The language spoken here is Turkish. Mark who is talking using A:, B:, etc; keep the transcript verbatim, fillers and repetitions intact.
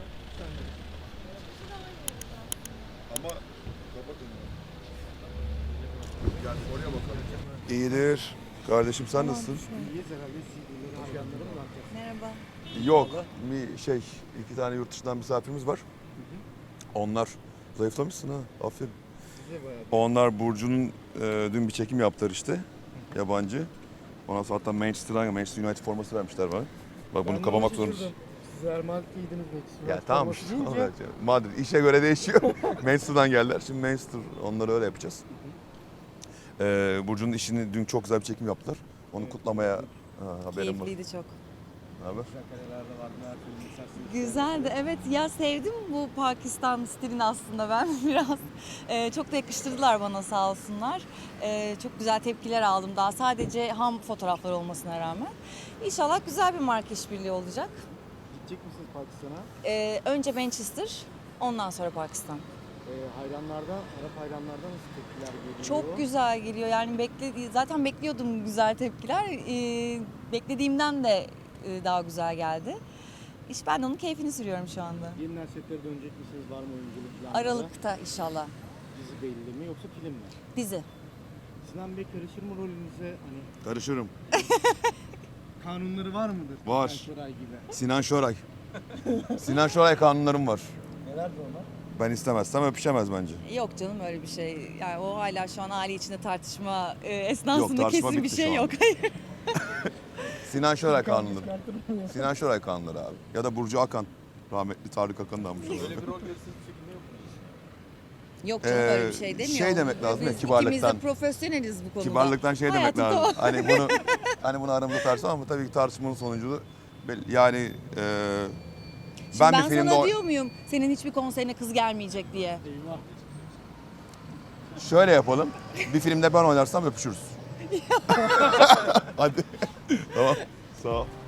A: Ama kapatın. Yani oraya bakalım. İyidir. Kardeşim sen nasılsın?
B: Merhaba.
A: Yok. Bir şey, iki tane yurt dışından misafirimiz var. Onlar zayıflamışsın ha. Aferin. Onlar Burcu'nun e, dün bir çekim yaptılar işte. Yabancı. Ondan sonra hatta Manchester'dan Manchester United forması vermişler bana. Bak bunu kapamak zorundasın.
C: Siz Ermal giydiniz Manchester
A: Ya
C: United
A: tamam
C: forması
A: işte.
C: giyince
A: Madrid işe göre değişiyor. Manchester'dan geldiler. Şimdi Manchester onları öyle yapacağız. Ee, Burcu'nun işini dün çok güzel bir çekim yaptılar. Onu kutlamaya ha, haberim var.
B: Keyifliydi çok.
A: Ne haber?
B: Güzeldi. Evet ya, sevdim bu Pakistan stilini aslında ben biraz. Ee, çok da yakıştırdılar bana, sağ olsunlar. Ee, çok güzel tepkiler aldım daha, sadece ham fotoğraflar olmasına rağmen. İnşallah güzel bir marka işbirliği olacak.
C: gidecek misiniz Pakistan'a?
B: Ee, önce Manchester, ondan sonra Pakistan.
C: Ee, hayranlardan, Arap hayranlardan nasıl tepkiler geliyor?
B: Çok güzel geliyor. Yani bekledi zaten bekliyordum güzel tepkiler. Ee, beklediğimden de e, daha güzel geldi. İşte ben de onun keyfini sürüyorum şu anda.
C: Yeniden setlere dönecek misiniz? Var mı oyunculuk planları?
B: Aralıkta inşallah.
C: Dizi belli mi yoksa film mi?
B: Dizi.
C: Sinan Bey karışır mı rolünüze? Hani
A: Karışırım.
C: kanunları var mıdır?
A: Var.
C: Sinan Şoray gibi.
A: Sinan Şoray. Sinan Şoray kanunlarım var.
C: Nelerdi onlar?
A: Ben istemezsem öpüşemez bence.
B: Yok canım, öyle bir şey. Yani o hala şu an aile içinde tartışma e, esnasında
A: tartışma
B: kesin bir
A: bitti
B: şey
A: şu an.
B: yok. Hayır.
A: Sinan Şoray kanunları. Sinan Şoray kanunları abi. Ya da Burcu Akan. Rahmetli Tarık Akan'ı da almış olalım.
C: Öyle bir rol verirse bir şekilde yok.
B: Yok canım,
A: Ee,
B: öyle bir şey demiyor.
A: şey demek lazım ya,
B: Biz
A: kibarlıktan.
B: İkimiz de profesyoneliz bu konuda.
A: Kibarlıktan şey demek
B: Hayatı
A: lazım.
B: doğal.
A: Hani bunu hani bunu aramızda tartışalım ama tabii ki tartışmanın sonucu yani e,
B: Şimdi
A: ben,
B: ben,
A: bir filmde
B: sana
A: o-
B: diyor muyum senin hiçbir konserine kız gelmeyecek diye?
C: Eyvah.
A: şöyle yapalım. Bir filmde ben oynarsam öpüşürüz. Hadi. Tamam. Sağ ol.